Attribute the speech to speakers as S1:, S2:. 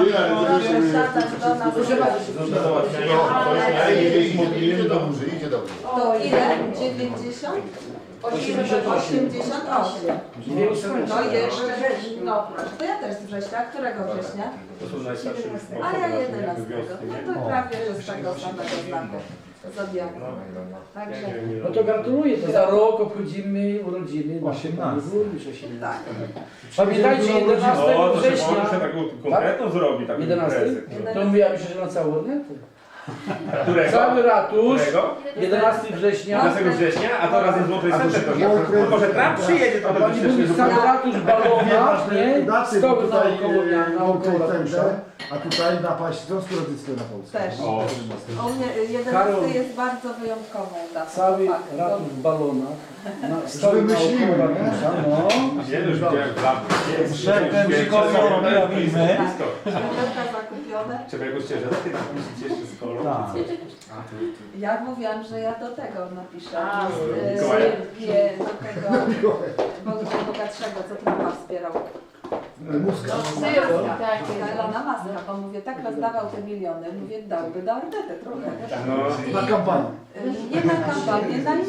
S1: Proszę bardzo.
S2: Idzie dobrze.
S1: To ile? 90? 88. No jeszcze, no proszę. To ja też z września. Którego września?
S3: To są najstarsze.
S1: A ja 11. No to prawie, że z tego samego znaku zodiaku. Także
S4: No to gratuluję, to za rok obchodzimy urodziny.
S5: 18.
S1: tak.
S4: Pamiętajcie, 11
S3: No, to się
S4: września.
S3: może taką konkretną zrobi, taką
S4: 11?
S3: imprezę.
S4: To mówiła mi się, że na całą Ornetę.
S3: Którego?
S4: Cały ratusz,
S3: Którego?
S4: 11 września.
S3: 11 września, a to razem z Złotej Sępy to nie. Może Trump przyjedzie, to
S4: A
S3: by
S4: pani mówi,
S3: się
S4: cały ratusz balona, nie?
S5: Daty, bo
S4: Stoły
S5: tutaj
S4: naokoło ratusza.
S5: a tutaj napaść Związku Radzieckiego na Polskę.
S1: Też.
S3: O,
S1: U mnie 11
S4: Karol.
S1: jest bardzo wyjątkową datą.
S4: Cały
S1: Fakt.
S4: ratusz w balonach. Stoły
S5: wymyśliły,
S4: naokoło
S5: nie?
S4: ratusza, no.
S3: nie, już widziałem Trump.
S5: Szefem Mikołaja robimy.
S1: Światełka zakupione.
S3: Trzeba jakąś ciężarkę napisać jeszcze z kolą.
S1: Ja mówiłam, że ja do tego napiszę.
S3: Mikołaja?
S1: Nie, do tego bogatszego, co Trumpa wspierał.
S5: Muska.
S1: Elona Muska, bo mówię, tak rozdawał te miliony, mówię, dałby do Ornety trochę.
S3: No.
S5: Na kampanię.
S1: Nie na kampanię, na